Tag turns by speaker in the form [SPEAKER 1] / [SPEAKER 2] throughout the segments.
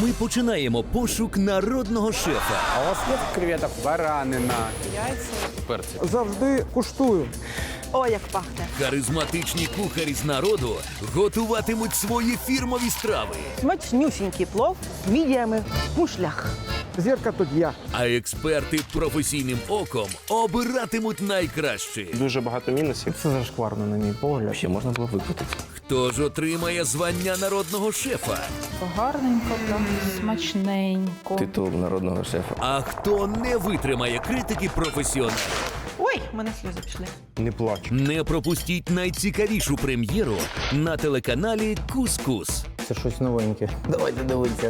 [SPEAKER 1] Ми починаємо пошук народного шефа.
[SPEAKER 2] А у вас є креветок? Баранина.
[SPEAKER 3] Завжди куштую.
[SPEAKER 4] О, як пахне.
[SPEAKER 1] Харизматичні кухарі з народу готуватимуть свої фірмові страви.
[SPEAKER 4] Смачнюсінький плов з мідіями в мушлях.
[SPEAKER 3] Зірка тут я.
[SPEAKER 1] А експерти професійним оком обиратимуть найкраще.
[SPEAKER 5] Дуже багато мінусів.
[SPEAKER 3] Це зашкварно, на мій погляд.
[SPEAKER 5] Ще можна було викрутити.
[SPEAKER 1] Хто ж отримає звання народного шефа?
[SPEAKER 6] Гарненько, там, смачненько.
[SPEAKER 5] Титул народного шефа.
[SPEAKER 1] А хто не витримає критики професіоналів?
[SPEAKER 4] Ой, в мене сльози пішли.
[SPEAKER 5] Не плач.
[SPEAKER 1] Не пропустіть найцікавішу прем'єру на телеканалі «Кус-Кус».
[SPEAKER 3] Це щось новеньке. Давайте дивитися.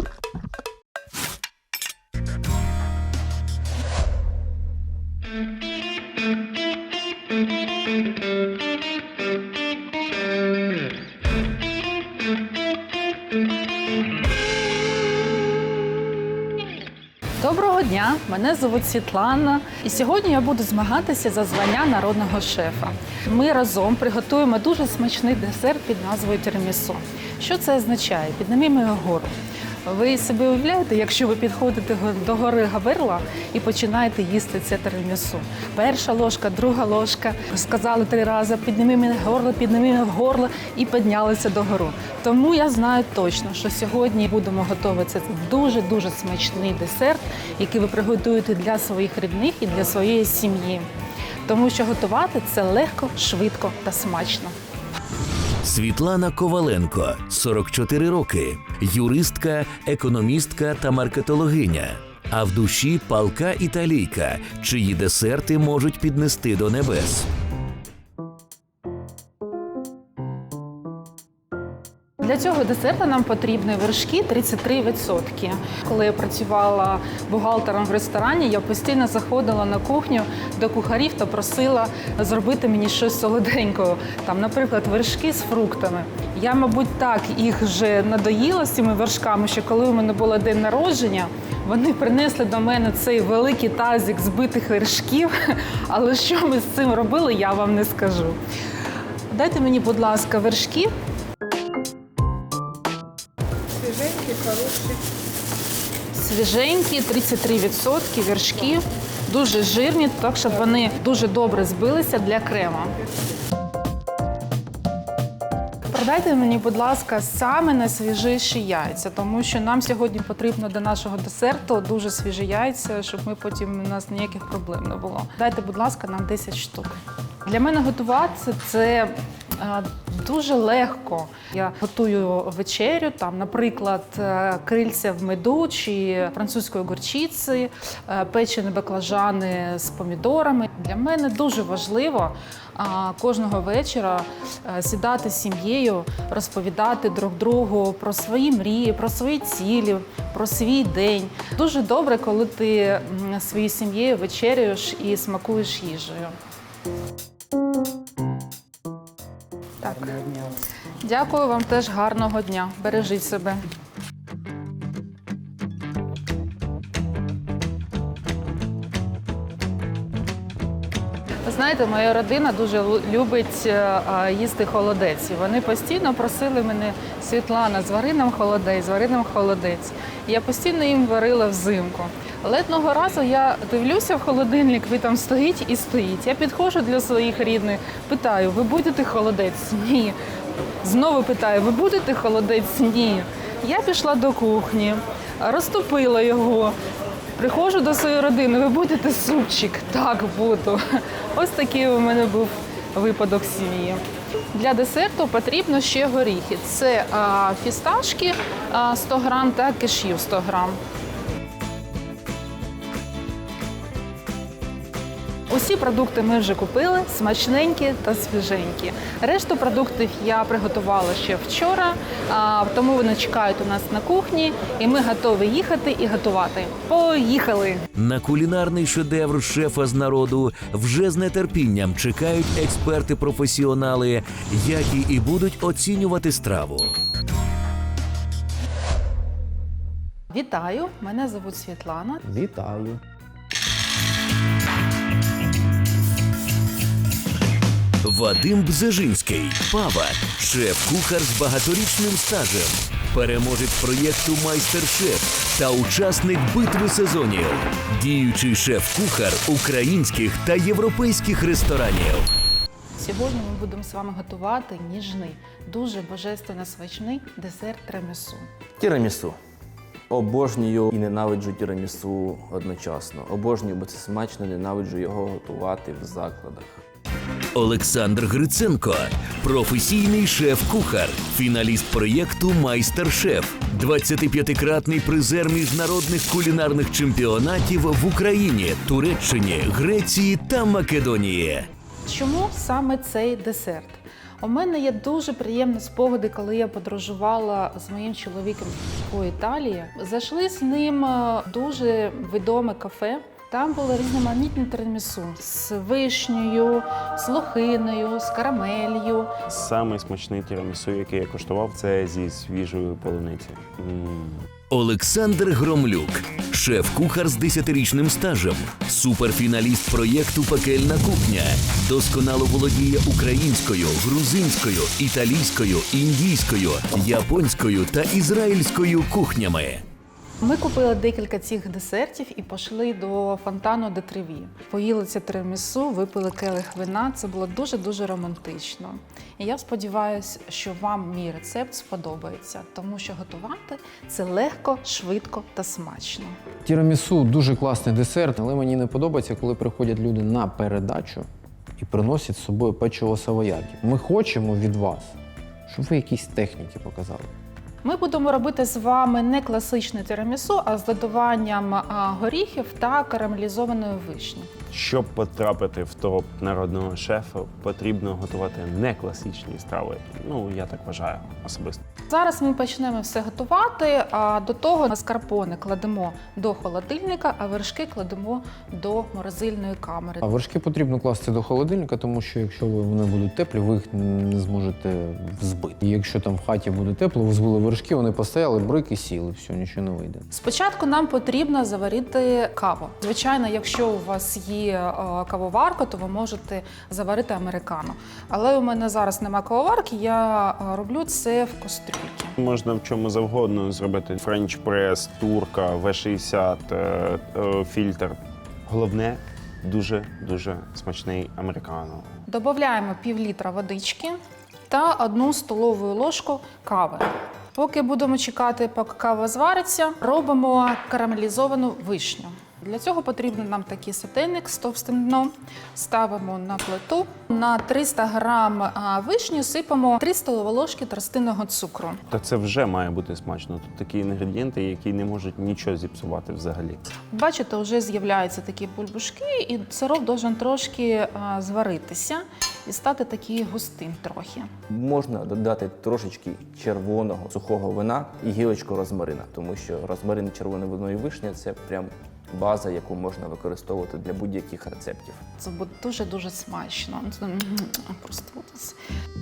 [SPEAKER 6] Доброго дня, мене звуть Світлана, і сьогодні я буду змагатися за звання народного шефа. Ми разом приготуємо дуже смачний десерт під назвою тірамісу. Що це означає? Піднімемо його вгору. Ви собі уявляєте, якщо ви підходите до гори Гаверла і починаєте їсти це тірамісу. Перша ложка, друга ложка, сказали 3 рази, піднімемо горло і піднялися догору. Тому я знаю точно, що сьогодні будемо готувати дуже-дуже смачний десерт, який ви приготуєте для своїх рідних і для своєї сім'ї. Тому що готувати це легко, швидко та смачно.
[SPEAKER 1] Світлана Коваленко, 44 роки, юристка, економістка та маркетологиня. А в душі палка італійка, чиї десерти можуть піднести до небес.
[SPEAKER 6] Для цього десерту нам потрібні вершки 33%. Коли я працювала бухгалтером в ресторані, я постійно заходила на кухню до кухарів та просила зробити мені щось солоденького. Там, наприклад, вершки з фруктами. Я, мабуть, так їх вже надоїла з цими вершками, що коли у мене було день народження, вони принесли до мене цей великий тазик збитих вершків, але що ми з цим робили, я вам не скажу. Дайте мені, будь ласка, вершки. Свіженькі, 33% вершки, дуже жирні, так, щоб вони дуже добре збилися для крема. Продайте мені, будь ласка, саме найсвіжіші яйця, тому що нам сьогодні потрібно до нашого десерту дуже свіжі яйця, щоб ми потім у нас ніяких проблем не було. Дайте, будь ласка, нам 10 штук. Для мене готувати це дуже легко. Я готую вечерю, там, наприклад, крильця в меду чи французької горчиці, печені баклажани з помідорами. Для мене дуже важливо кожного вечора сідати з сім'єю, розповідати друг другу про свої мрії, про свої цілі, про свій день. Дуже добре, коли ти своєю сім'єю вечеряєш і смакуєш їжею. Так. Дякую вам теж, гарного дня. Бережіть себе. Ви знаєте, моя родина дуже любить їсти холодець. І вони постійно просили мене: Світлана, звари нам холодець. І я постійно їм варила взимку. Але одного разу я дивлюся в холодильник, він там стоїть і стоїть. Я підходжу для своїх рідних, питаю: ви будете холодець? Ні. Знову питаю: ви будете холодець? Ні. Я пішла до кухні, розтопила його. Приходжу до своєї родини: ви будете супчик? Так, буду. Ось такий у мене був випадок в сім'ї. Для десерту потрібно ще горіхи. Це фісташки 100 грам та кешю 100 грам. Усі продукти ми вже купили, смачненькі та свіженькі. Решту продуктів я приготувала ще вчора, тому вони чекають у нас на кухні, і ми готові їхати і готувати. Поїхали!
[SPEAKER 1] На кулінарний шедевр шефа з народу вже з нетерпінням чекають експерти-професіонали, які і будуть оцінювати страву.
[SPEAKER 6] Вітаю, мене звуть Світлана.
[SPEAKER 3] Вітаю.
[SPEAKER 1] Вадим Бзежинський, Павак, шеф-кухар з багаторічним стажем, переможець проєкту «Майстер-шеф» та учасник битви сезонів, діючий шеф-кухар українських та європейських ресторанів.
[SPEAKER 6] Сьогодні ми будемо з вами готувати ніжний, дуже божественно смачний десерт тирамісу.
[SPEAKER 5] Тірамісу. Обожнюю і ненавиджу тірамісу одночасно. Обожнюю, бо це смачно, ненавиджу його готувати в закладах.
[SPEAKER 1] Олександр Гриценко, професійний шеф-кухар, фіналіст проєкту «Майстер-шеф», 25-кратний призер міжнародних кулінарних чемпіонатів в Україні, Туреччині, Греції та Македонії.
[SPEAKER 6] Чому саме цей десерт? У мене є дуже приємні спогади, коли я подорожувала з моїм чоловіком по Італії. Зайшли з ним в дуже відоме кафе. Там були різноманітні тирамісу з вишнею, з лохиною, з карамелью.
[SPEAKER 7] Самий смачний тірамісу, який я куштував, це зі свіжої полуниці.
[SPEAKER 1] Олександр Громлюк, шеф-кухар з 10-річним стажем, суперфіналіст проєкту «Пекельна кухня», досконало володіє українською, грузинською, італійською, індійською, японською та ізраїльською кухнями.
[SPEAKER 6] Ми купили декілька цих десертів і пішли до фонтану де Треві. Поїли це тирамісу, випили келих вина. Це було дуже-дуже романтично. І я сподіваюся, що вам мій рецепт сподобається, тому що готувати – це легко, швидко та смачно.
[SPEAKER 3] Тірамісу дуже класний десерт, але мені не подобається, коли приходять люди на передачу і приносять з собою печиво савояді. Ми хочемо від вас, щоб ви якісь техніки показали.
[SPEAKER 6] Ми будемо робити з вами не класичне тирамісу, а з додаванням горіхів та карамелізованої вишні.
[SPEAKER 7] Щоб потрапити в топ народного шефа, потрібно готувати не класичні страви. Ну, я так вважаю особисто.
[SPEAKER 6] Зараз ми почнемо все готувати, а до того маскарпоне кладемо до холодильника, а вершки кладемо до морозильної камери.
[SPEAKER 3] А вершки потрібно класти до холодильника, тому що якщо вони будуть теплі, ви їх не зможете взбити. І якщо там в хаті буде тепло, ви збили вершки, вони постояли, брик і сіли, все, нічого не вийде.
[SPEAKER 6] Спочатку нам потрібно заварити каву. Звичайно, якщо у вас є кавоварка, то ви можете заварити американо. Але у мене зараз немає кавоварки, я роблю це в кастрюльці.
[SPEAKER 7] Можна в чому завгодно зробити френч-прес, турка, В60, фільтр. Головне – дуже-дуже смачний американо.
[SPEAKER 6] Додаємо пів-літра водички та 1 столову ложку кави. Поки будемо чекати, поки кава звариться, робимо карамелізовану вишню. Для цього потрібен нам такий сотейник з товстим дном. Ставимо на плиту. На 300 грам вишні сипемо 3 столові ложки тростинного цукру.
[SPEAKER 7] Та це вже має бути смачно. Тут такі інгредієнти, які не можуть нічого зіпсувати взагалі.
[SPEAKER 6] Бачите, вже з'являються такі бульбашки, і сироп має трошки зваритися і стати такий густим трохи.
[SPEAKER 5] Можна додати трошечки червоного сухого вина і гілочку розмарина, тому що розмарин і червоне вино і вишня – це прям база, яку можна використовувати для будь-яких рецептів.
[SPEAKER 6] Це буде дуже-дуже смачно. Просто ось.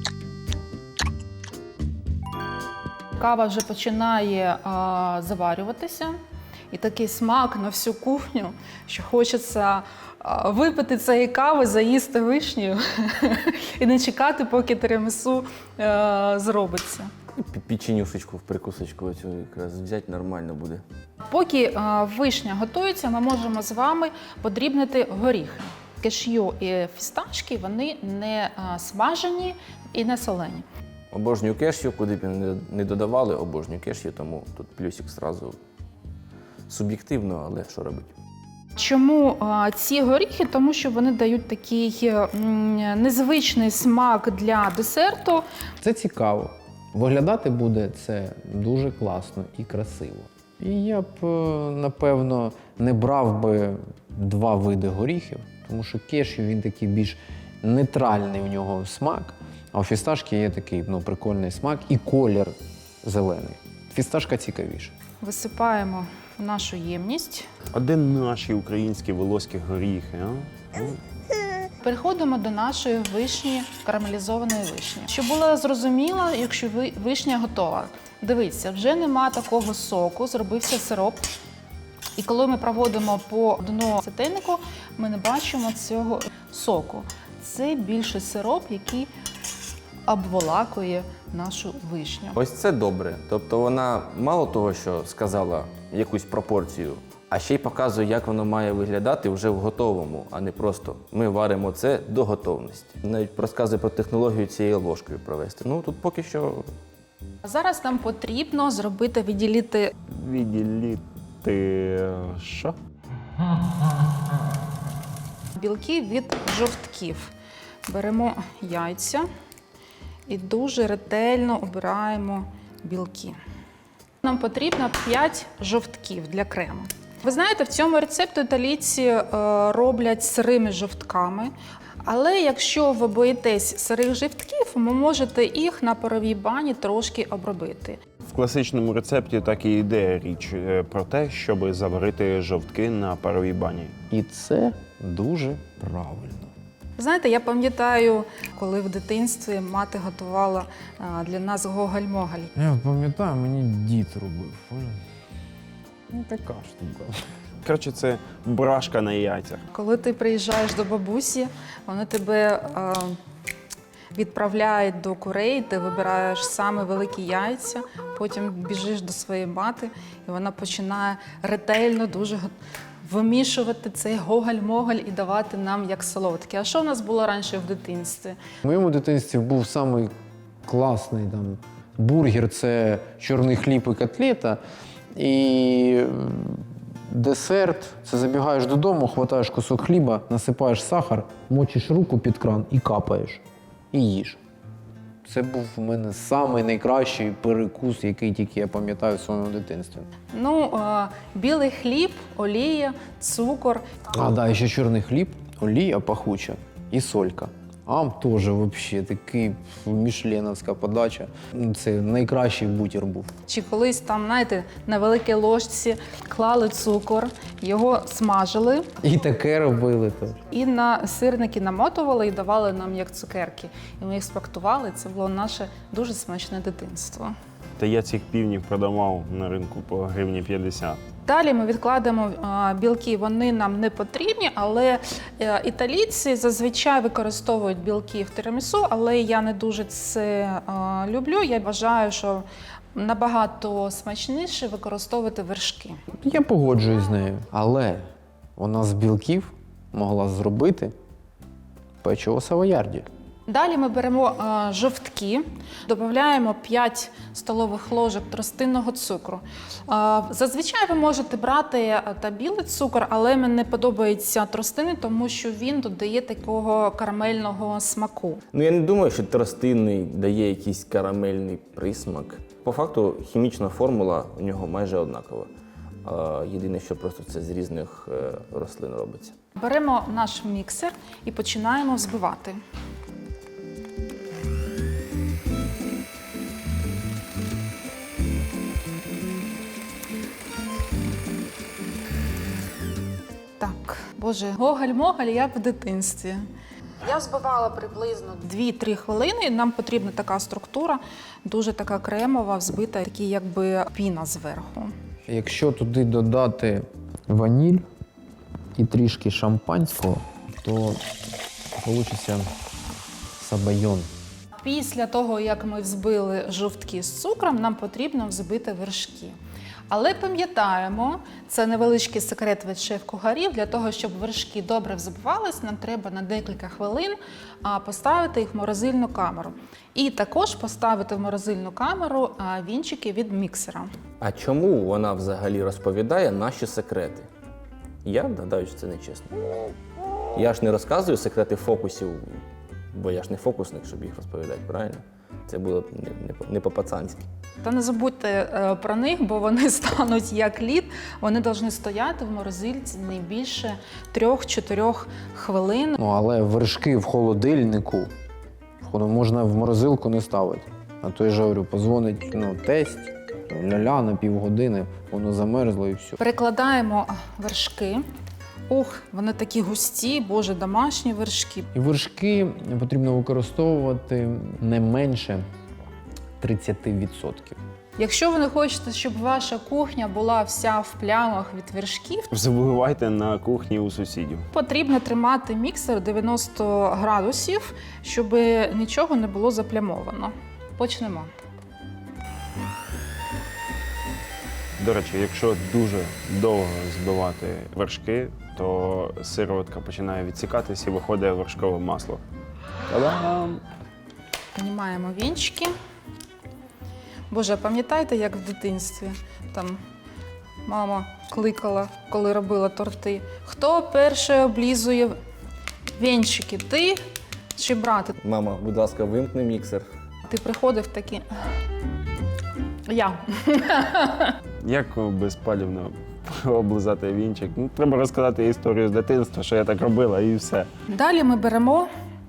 [SPEAKER 6] Кава вже починає заварюватися. І такий смак на всю кухню, що хочеться випити цієї кави, заїсти вишнею і не чекати, поки тирамісу зробиться.
[SPEAKER 5] Печенюшечку в прикусочку оцю якраз взяти нормально буде.
[SPEAKER 6] Поки вишня готується, ми можемо з вами подрібнити горіхи. Кешю і фісташки, вони не смажені і не солені.
[SPEAKER 5] Обожнюю кешю, куди б не додавали, обожнюю кешю, тому тут плюсик зразу суб'єктивно, але що робити?
[SPEAKER 6] Чому ці горіхи? Тому що вони дають такий незвичний смак для десерту.
[SPEAKER 3] Це цікаво. Виглядати буде це дуже класно і красиво. І я б, напевно, не брав би 2 види горіхів, тому що кешю, він такий більш нейтральний у нього смак, а у фісташки є такий прикольний смак і колір зелений. Фісташка цікавіша.
[SPEAKER 6] Висипаємо в нашу ємність.
[SPEAKER 7] А де наші українські волоські горіхи, а?
[SPEAKER 6] Переходимо до нашої вишні, карамелізованої вишні. Щоб було зрозуміло, якщо вишня готова. Дивіться, вже нема такого соку, зробився сироп. І коли ми проводимо по дну сотейнику, ми не бачимо цього соку. це більше сироп, який обволакує нашу вишню.
[SPEAKER 5] Ось це добре. Тобто вона мало того, що сказала якусь пропорцію, а ще й показує, як воно має виглядати вже в готовому, а не просто ми варимо це до готовності. Навіть розказує про технологію цією ложкою провести. Ну тут поки що
[SPEAKER 6] Зараз нам потрібно відділити
[SPEAKER 7] Відділити що?
[SPEAKER 6] білки від жовтків. Беремо яйця і дуже ретельно обираємо білки. Нам потрібно 5 жовтків для крему. Ви знаєте, в цьому рецепті італійці роблять сирими жовтками. Але якщо ви боїтесь сирих жовтків, ви можете їх на паровій бані трошки обробити.
[SPEAKER 7] В класичному рецепті так і йде річ про те, щоб заварити жовтки на паровій бані.
[SPEAKER 3] І це дуже правильно.
[SPEAKER 6] Знаєте, я пам'ятаю, коли в дитинстві мати готувала для нас гоголь-моголь.
[SPEAKER 3] Я пам'ятаю, мені дід робив. Ну, така штука.
[SPEAKER 7] Коротше, це брашка на яйцях.
[SPEAKER 6] Коли ти приїжджаєш до бабусі, вони тебе відправляють до курей, ти вибираєш саме великі яйця, потім біжиш до своєї мати, і вона починає ретельно дуже вимішувати цей гоголь-моголь і давати нам як солодке. А що в нас було раніше в дитинстві?
[SPEAKER 3] В моєму дитинстві був самий класний там бургер, це чорний хліб і котлета. І десерт це забігаєш додому, хватаєш кусок хліба, насипаєш сахар, мочиш руку під кран і капаєш. І їж. Це був у мене самий найкращий перекус, який тільки я пам'ятаю в своєму дитинстві.
[SPEAKER 6] Ну, білий хліб, олія, цукор.
[SPEAKER 3] А, да, ще чорний хліб, олія пахуча і солька. Ам теж взагалі такий мішленовська подача. Це найкращий бутір був.
[SPEAKER 6] Чи колись там, знаєте, на великій ложці клали цукор, його смажили
[SPEAKER 3] І таке робили теж.
[SPEAKER 6] і на сирники намотували і давали нам як цукерки. І ми їх смактували. Це було наше дуже смачне дитинство.
[SPEAKER 7] Та я цих півнів продавав на ринку по гривні 50.
[SPEAKER 6] Далі ми відкладемо білки, вони нам не потрібні, але італійці зазвичай використовують білки в тирамісу, але я не дуже це люблю. Я вважаю, що набагато смачніше використовувати вершки.
[SPEAKER 3] Я погоджуюсь з нею. Але вона з білків могла зробити печиво савоярді.
[SPEAKER 6] Далі ми беремо жовтки, додаємо 5 столових ложок тростинного цукру. Зазвичай ви можете брати та білий цукор, але мені не подобається тростинний, тому що він додає такого карамельного смаку.
[SPEAKER 5] ну я не думаю, що тростинний дає якийсь карамельний присмак. По факту хімічна формула у нього майже однакова. Єдине, що просто це з різних рослин робиться.
[SPEAKER 6] Беремо наш міксер і починаємо взбивати. Так, боже, гоголь-моголь, як в дитинстві. Я взбивала приблизно 2-3 хвилини. Нам потрібна така структура, дуже така кремова, взбита, такий якби піна зверху.
[SPEAKER 3] Якщо туди додати ваніль і трішки шампанського, то вийде сабайон.
[SPEAKER 6] Після того, як ми взбили жовтки з цукром, нам потрібно взбити вершки. Але пам'ятаємо, це невеличкий секрет від шеф-кухарів, для того, щоб вершки добре взбивались, нам треба на декілька хвилин поставити їх в морозильну камеру. І також поставити в морозильну камеру вінчики від міксера.
[SPEAKER 5] А чому вона взагалі розповідає наші секрети? Я гадаю, що це нечесно. Я ж не розказую секрети фокусів, бо я ж не фокусник, щоб їх розповідати, правильно? Це було б не по-пацанськи.
[SPEAKER 6] Та не забудьте про них, бо вони стануть як лід. Вони повинні стояти в морозильці не більше 3-4 хвилин.
[SPEAKER 3] Ну, але вершки в холодильнику можна в морозилку не ставити. А то я ж говорю, позвонить тесть, ля-ля на півгодини, воно замерзло і все.
[SPEAKER 6] Перекладаємо вершки. Ух, вони такі густі, боже, домашні вершки.
[SPEAKER 3] І вершки потрібно використовувати не менше 30%.
[SPEAKER 6] Якщо ви не хочете, щоб ваша кухня була вся в плямах від вершків,
[SPEAKER 7] Забувайте на кухні у сусідів.
[SPEAKER 6] потрібно тримати міксер 90 градусів, щоб нічого не було заплямовано. Почнемо.
[SPEAKER 7] До речі, якщо дуже довго збивати вершки, то сироватка починає відсікатись і виходить вершкове масло. Та-дам!
[SPEAKER 6] Знімаємо вінчики. Боже, пам'ятаєте, як в дитинстві там мама кликала, коли робила торти? Хто перший облізує вінчики? Ти чи брат?
[SPEAKER 5] Мама, будь ласка, вимкни міксер.
[SPEAKER 6] Ти приходив такий. Я.
[SPEAKER 7] Як безпалівно облизати вінчик? Ну, треба розказати історію з дитинства, що я так робила, і все.
[SPEAKER 6] Далі ми беремо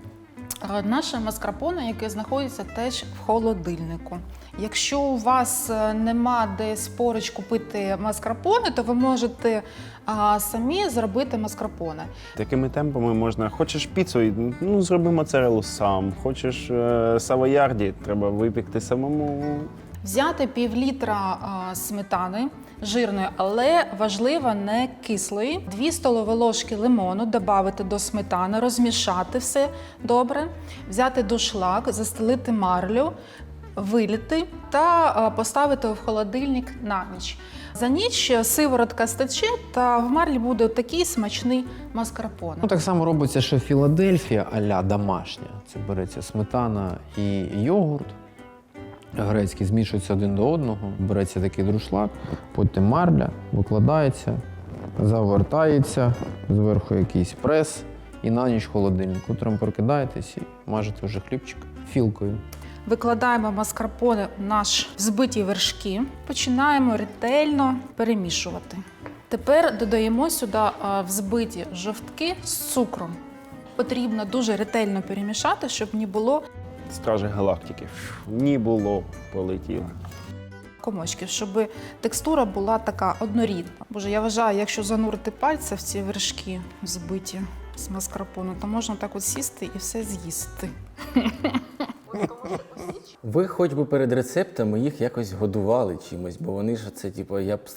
[SPEAKER 6] наше маскарпоне, яке знаходиться теж в холодильнику. Якщо у вас нема десь поруч купити маскарпоне, то ви можете самі зробити маскарпоне.
[SPEAKER 7] Такими темпами можна, хочеш піцу, ну зроби моцарелу сам. Хочеш савоярді, треба випікти самому.
[SPEAKER 6] Взяти пів-літра сметани жирної, але важливо не кислої. 2 столові ложки лимону додати до сметани, розмішати все добре, взяти дуршлаг, застелити марлю, вилити та поставити в холодильник на ніч. За ніч сиворотка стече та в марлі буде такий смачний маскарпоне.
[SPEAKER 3] Ну, так само робиться ще Філадельфія а-ля домашня. Це береться сметана і йогурт. Грецький змішується один до одного, береться такий друшлаг, потім марля, викладається, завертається, зверху якийсь прес і на ніч в холодильник. Утром прокидаєтесь і мажете вже хлібчик філкою.
[SPEAKER 6] Викладаємо маскарпоне в наш взбиті вершки, починаємо ретельно перемішувати. Тепер додаємо сюди взбиті жовтки з цукром. Потрібно дуже ретельно перемішати, щоб не було
[SPEAKER 7] Стражі галактики. Ні було, полетіло.
[SPEAKER 6] комочків, щоб текстура була така однорідна. Боже, я вважаю, якщо занурити пальці в ці вершки взбиті з маскарпоне, то можна так от сісти і все з'їсти.
[SPEAKER 5] Ви хоч би перед рецептами їх якось годували чимось, бо вони ж це, типу, я б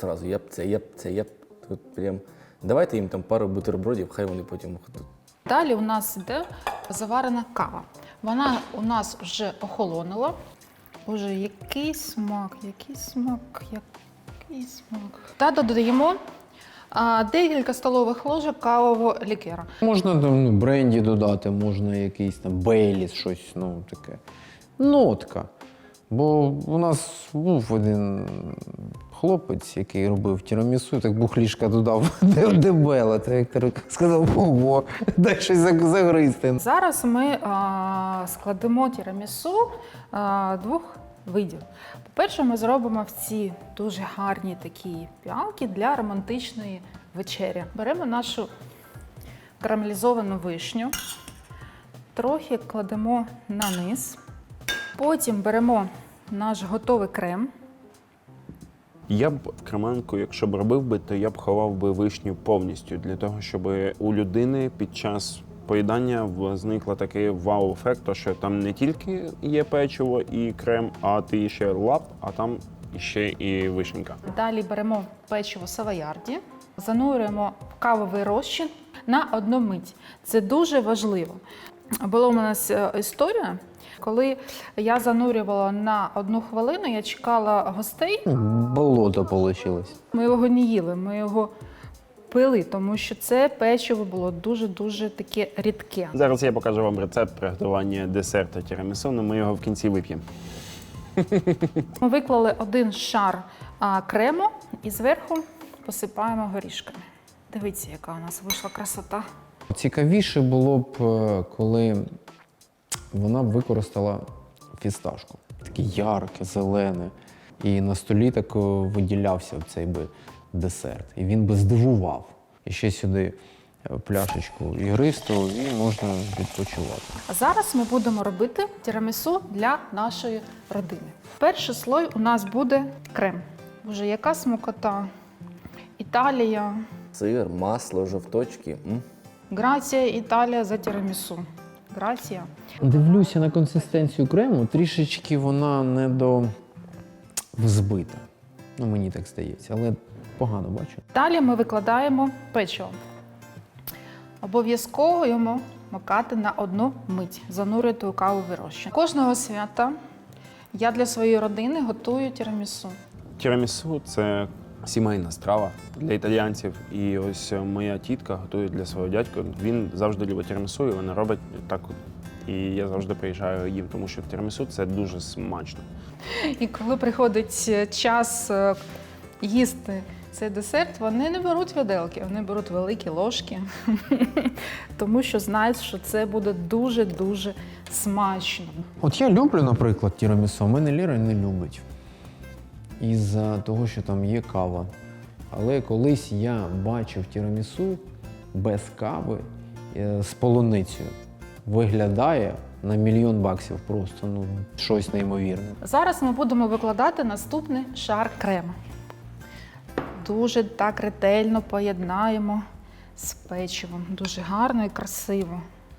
[SPEAKER 5] тут прям. Давайте їм там пару бутербродів, хай вони потім ходуть.
[SPEAKER 6] Далі у нас йде заварена кава. Вона у нас вже охолонула. Боже, який смак, який смак, який смак. Та додаємо декілька столових ложок кавового лікера.
[SPEAKER 3] Можна там бренді додати, можна якийсь там Бейліс, щось, ну таке. Нотка. Бо у нас був один хлопець, який робив тірамісу, так бухлішка додав дебела. Та Віктор сказав, ого, дай щось загризти.
[SPEAKER 6] Зараз ми складемо тірамісу двох видів. По-перше, ми зробимо в ці дуже гарні такі піалки для романтичної вечері. Беремо нашу карамелізовану вишню, трохи кладемо на низ. Потім беремо наш готовий крем.
[SPEAKER 7] Я б в креманку, якщо б робив би, то я б ховав би вишню повністю, для того, щоб у людини під час поїдання зникла такий вау-ефект, що там не тільки є печиво і крем, а ти ще лап, а там ще і вишенька.
[SPEAKER 6] Далі беремо печиво савоярді, занурюємо в кавовий розчин на 1 мить. Це дуже важливо. Була у нас історія, коли я занурювала на 1 хвилину, я чекала гостей.
[SPEAKER 3] Болото вийшло.
[SPEAKER 6] Ми його не їли, ми його пили, тому що це печиво було дуже-дуже таке рідке.
[SPEAKER 7] Зараз я покажу вам рецепт приготування десерту тірамісу, але ми його в кінці вип'ємо.
[SPEAKER 6] Ми виклали 1 шар крему і зверху посипаємо горішками. Дивіться, яка у нас вийшла красота.
[SPEAKER 3] Цікавіше було б, коли вона б використала фісташку. Таке ярке, зелене. І на столі так виділявся цей би десерт. І він би здивував. І ще сюди пляшечку ігристого і можна відпочивати.
[SPEAKER 6] А зараз ми будемо робити тірамісу для нашої родини. Перший слой у нас буде крем. Боже, яка смакота. Італія.
[SPEAKER 5] Сир, масло, жовточки.
[SPEAKER 6] Грація, Італія за тірамісу. Грація.
[SPEAKER 3] Дивлюся на консистенцію крему, трішечки вона взбита. Ну, мені так здається, але погано бачу.
[SPEAKER 6] Далі ми викладаємо печиво. Обов'язково йому макати на 1 мить, занурювати у кавовий розчин. Кожного свята я для своєї родини готую тірамісу.
[SPEAKER 7] Тірамісу – це сімейна страва для італійців. І ось моя тітка готує для свого дядька. Він завжди любить тірамісу, і вона робить так. І я завжди приїжджаю їм, тому що тірамісу – це дуже смачно.
[SPEAKER 6] І коли приходить час їсти цей десерт, вони не беруть виделки, вони беруть великі ложки, тому що знають, що це буде дуже-дуже смачно.
[SPEAKER 3] От я люблю, наприклад, тірамісу, а мене Ліра не любить. Із-за того, що там є кава. Але колись я бачив тірамісу без кави з полуницею. Виглядає на $1 мільйон просто, ну, щось неймовірне.
[SPEAKER 6] Зараз ми будемо викладати наступний шар крему. Дуже так ретельно поєднаємо з печивом. Дуже гарно і красиво.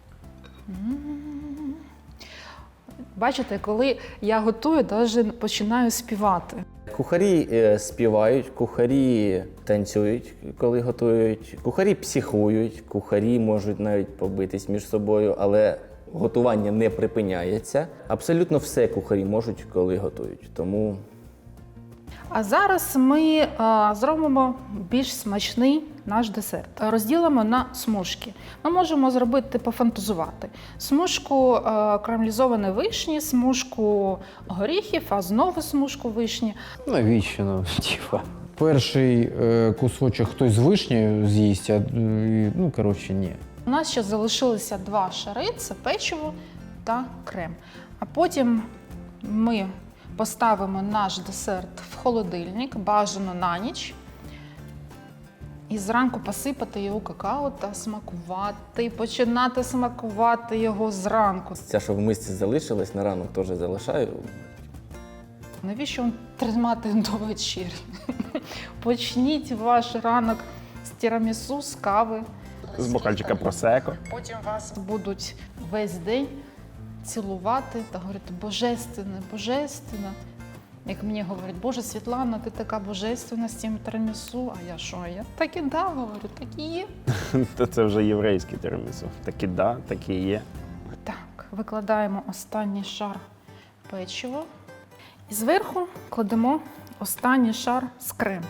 [SPEAKER 6] Бачите, коли я готую, навіть починаю співати.
[SPEAKER 5] Кухарі співають, кухарі танцюють, коли готують, кухарі психують, кухарі можуть навіть побитись між собою, але готування не припиняється. Абсолютно все кухарі можуть, коли готують. Тому
[SPEAKER 6] А зараз ми зробимо більш смачний наш десерт. Розділимо на смужки. Ми можемо зробити, пофантазувати. Смужку карамелізованої вишні, смужку горіхів, а знову смужку вишні.
[SPEAKER 3] Навіщо нам? Перший кусочок хтось з вишнею з'їсть, а ну, коротше, ні.
[SPEAKER 6] У нас ще залишилися 2 шари – це печиво та крем. А потім ми поставимо наш десерт в холодильник, бажано на ніч. І зранку посипати його какао та смакувати, починати смакувати його зранку.
[SPEAKER 5] ця, що в мисці залишилась, на ранок теж залишаю.
[SPEAKER 6] Навіщо тримати до вечері? Почніть ваш ранок з тірамісу, з кави.
[SPEAKER 7] З бокальчика просеко.
[SPEAKER 6] Потім вас будуть весь день цілувати та говорити «божественне, божественне». Як мені говорять, Боже, Світлана, ти така божественна з цим тірамісу. А я що? Я так і да, говорю, так і є.
[SPEAKER 7] То це вже єврейське тірамісу. Такі да, такі є.
[SPEAKER 6] Так, викладаємо останній шар печива. І зверху кладемо останній шар з крему.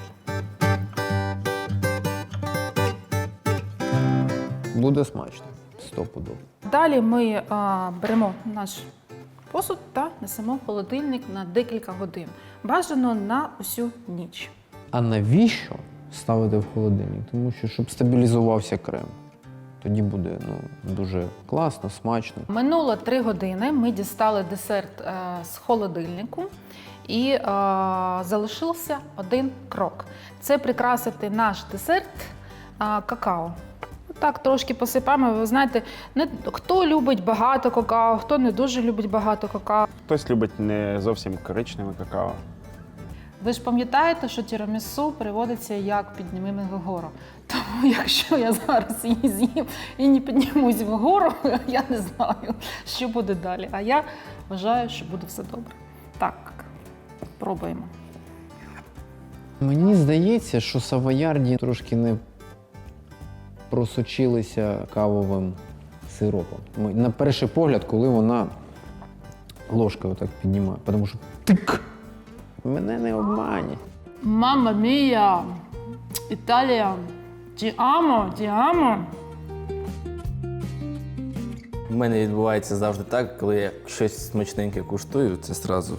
[SPEAKER 3] Буде смачно, стопудово.
[SPEAKER 6] Далі ми беремо наш посуд та несемо в холодильник на декілька годин. Бажано на усю ніч.
[SPEAKER 3] А навіщо ставити в холодильник? Тому що, щоб стабілізувався крем. Тоді буде дуже класно, смачно.
[SPEAKER 6] Минуло 3 години, ми дістали десерт з холодильнику і залишився один крок. Це прикрасити наш десерт какао. Так, трошки посипаємо. Ви знаєте, хто любить багато какао, хто не дуже любить багато какао.
[SPEAKER 7] Хтось любить не зовсім коричневе какао.
[SPEAKER 6] Ви ж пам'ятаєте, що тірамісу переводиться як «підніми мене вгору». Тому якщо я зараз її з'їм і не піднімусь вгору, я не знаю, що буде далі. А я вважаю, що буде все добре. Так, пробуємо.
[SPEAKER 3] Мені здається, що савоярді трошки не просочилися кавовим сиропом. На перший погляд, коли вона ложкою так піднімає, тому що тик! Мене не обманять.
[SPEAKER 6] Мамма мія! Італія! Ті амо, ті амо!
[SPEAKER 5] У мене відбувається завжди так, коли я щось смачненьке куштую, це зразу.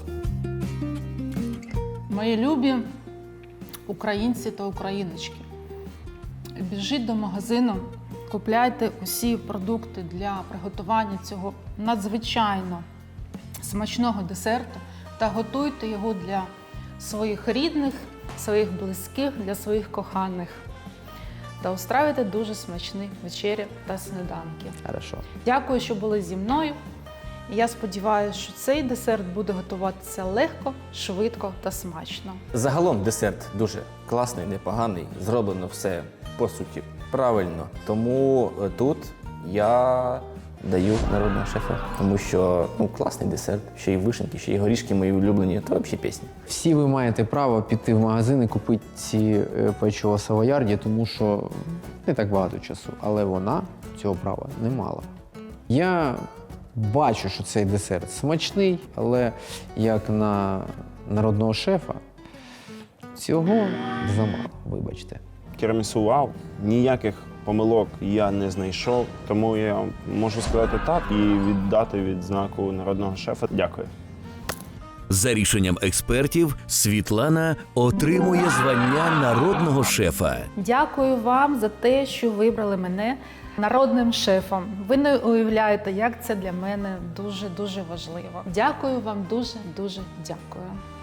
[SPEAKER 6] Мої любі українці та україночки, біжіть до магазину, купляйте усі продукти для приготування цього надзвичайно смачного десерту та готуйте його для своїх рідних, своїх близьких, для своїх коханих. Та устраюйте дуже смачні вечері та сніданки.
[SPEAKER 3] Хорошо.
[SPEAKER 6] Дякую, що були зі мною. І я сподіваюся, що цей десерт буде готуватися легко, швидко та смачно.
[SPEAKER 5] Загалом десерт дуже класний, непоганий, зроблено все, по суті, правильно. Тому тут я даю народного шефа, тому що класний десерт, ще й вишеньки, ще й горішки мої улюблені, то взагалі пісня.
[SPEAKER 3] Всі ви маєте право піти в магазин і купити ці печиво Савоярді, тому що не так багато часу, але вона цього права не мала. Я бачу, що цей десерт смачний, але як на народного шефа цього замало, вибачте.
[SPEAKER 7] Тірамісу вау, ніяких помилок я не знайшов, тому я можу сказати так і віддати відзнаку народного шефа. Дякую.
[SPEAKER 1] За рішенням експертів, Світлана отримує звання народного шефа.
[SPEAKER 6] Дякую вам за те, що вибрали мене народним шефом. Ви не уявляєте, як це для мене дуже-дуже важливо. Дякую вам дуже-дуже дякую.